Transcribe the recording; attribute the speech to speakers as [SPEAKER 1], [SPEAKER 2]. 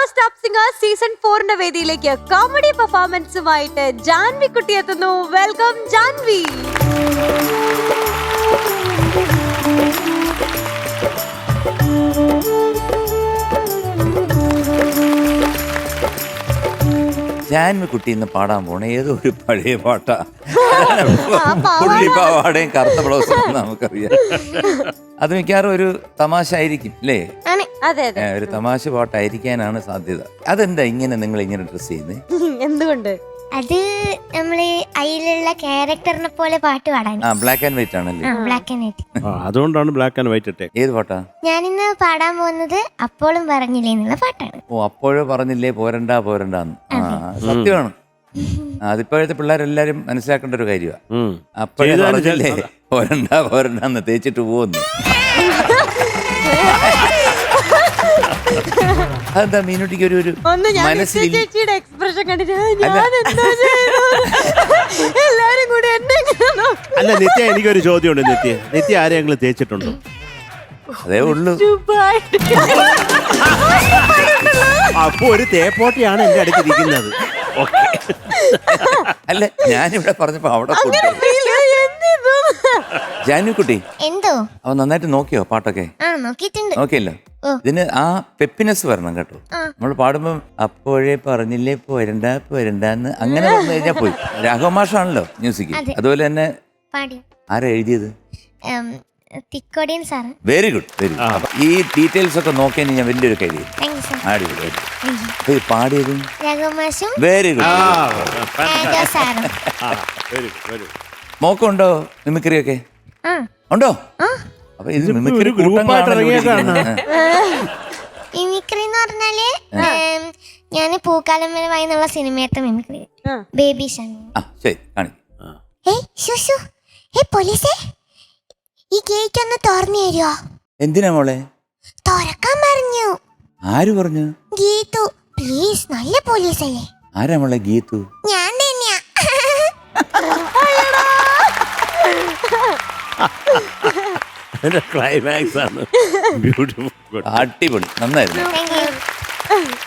[SPEAKER 1] Stop singer season 4 വേദിയിലേക്ക് comedy പെർഫോമൻസുമായിട്ട് Janhvi കുട്ടി എത്തുന്നു. വെൽക്കം ജാൻവി.
[SPEAKER 2] ജാൻവി കുട്ടി ഇന്ന് പാടാൻ പോണ ഏതോ ഒരു പഴയ പാട്ടാ. പുള്ളിപ്പാവാടേയും കറുത്ത ബ്ലൗസും നമുക്കറിയാം. അത് മിക്കവാറും ഒരു തമാശ ആയിരിക്കും അല്ലേ? ഒരു തമാശ പാട്ടായിരിക്കാനാണ് സാധ്യത. അതെന്താ ഇങ്ങനെ നിങ്ങൾ ഇങ്ങനെ ഡ്രസ് ചെയ്യുന്നത്?
[SPEAKER 1] എന്തുകൊണ്ട്?
[SPEAKER 3] അത് നമ്മള് അതിലുള്ള ക്യാരക്ടറിനെ പോലെ പാട്ട് പാടാൻ.
[SPEAKER 2] ബ്ലാക്ക് ആൻഡ് വൈറ്റ് ആണല്ലേ?
[SPEAKER 3] Black and white.
[SPEAKER 4] അതുകൊണ്ടാണ് ബ്ലാക്ക് ആൻഡ് വൈറ്റ് ഇട്ടേ.
[SPEAKER 2] ഏത് പാട്ടാ?
[SPEAKER 3] ഞാനിന്ന് പാടാൻ പോകുന്നത് അപ്പോഴും പറഞ്ഞില്ലേ എന്നുള്ള പാട്ടാണ്.
[SPEAKER 2] ഓ, അപ്പോഴേ പറഞ്ഞില്ലേ പോരണ്ടാന്ന്. സത്യമാണ്. അതിപ്പോഴത്തെ പിള്ളേരെല്ലാരും മനസ്സിലാക്കേണ്ട ഒരു കാര്യമാണ്. അപ്പോഴേ പറഞ്ഞില്ലേ പോരണ്ടാന്ന് തേച്ചിട്ട് പോകുന്നു. അതെന്താ മീനുട്ടിക്ക് ഒരു മനസ്സിൽ
[SPEAKER 1] എക്സ്പ്രഷൻ കണ്ടിട്ട് എല്ലാരും കൂടി എന്നെ
[SPEAKER 4] അല്ല നിത്യ, എനിക്കൊരു ചോദ്യമുണ്ട്. നിത്യ ആരെങ്കിലും തേച്ചിട്ടുണ്ടോ?
[SPEAKER 2] അതേ ഉള്ളൂ.
[SPEAKER 4] അപ്പൊ ഒരു തേപ്പോട്ടിയാണ് എന്റെ അടുത്തിരിക്കുന്നത്.
[SPEAKER 2] അല്ല, ഞാനിവിടെ പറഞ്ഞപ്പോ അവിടെ ജാനുക്കുട്ടി
[SPEAKER 3] എന്തോ
[SPEAKER 2] അവൻ നന്നായിട്ട് നോക്കിയോ പാട്ടൊക്കെ?
[SPEAKER 3] നോക്കിയിട്ടുണ്ട്.
[SPEAKER 2] നോക്കിയല്ലോ. ഇതിന് ആ പെപ്പിനെസ് വരണം കേട്ടോ. നമ്മൾ പാടുമ്പോ അപ്പോഴേ പറഞ്ഞില്ലേ പോരണ്ടാന്ന് അങ്ങനെ പറഞ്ഞു കഴിഞ്ഞാൽ പോയി. രാഘവ മാഷാണല്ലോ മ്യൂസിക്. അതുപോലെ തന്നെ ആരാ എഴുതിയത്?
[SPEAKER 3] Thikkodiyan sir.
[SPEAKER 2] Very good, very good. ഈ ഡീറ്റെയിൽസ് ഒക്കെ നോക്കിയാൽ ഞാൻ വലിയൊരു കാര്യം. അടിപൊളി. പാടിയത് വെരി ഗുഡ്. മോക്കുണ്ടോ മിമിക്രി ഒക്കെ? ഉണ്ടോ? അപ്പൊ ഇത് മിമിക്രി
[SPEAKER 3] മിമിക്രി എന്ന് പറഞ്ഞാല് ഞാന് പൂക്കാലമരമായി എന്നുള്ള സിനിമയത്തെ മിമിക്രി. ബേബി ശരി പോലീസേ, ഈ ഗേറ്റ് ഒന്ന് തുറന്നു തരുമോ?
[SPEAKER 2] എന്തിനാ മോളെ?
[SPEAKER 3] തുറക്കാൻ പറഞ്ഞു.
[SPEAKER 2] ആര് പറഞ്ഞു?
[SPEAKER 3] ഗീതു പ്ലീസ്, നല്ല പോലീസല്ലേ.
[SPEAKER 2] ആരാ മോളെ ഗീതു?
[SPEAKER 3] ഞാൻ തന്നെയാ.
[SPEAKER 4] ക്ലൈമാക്സ് ആണ്. ബ്യൂട്ടിഫുൾ.
[SPEAKER 2] അടിപൊളി, നന്നായിരുന്നു.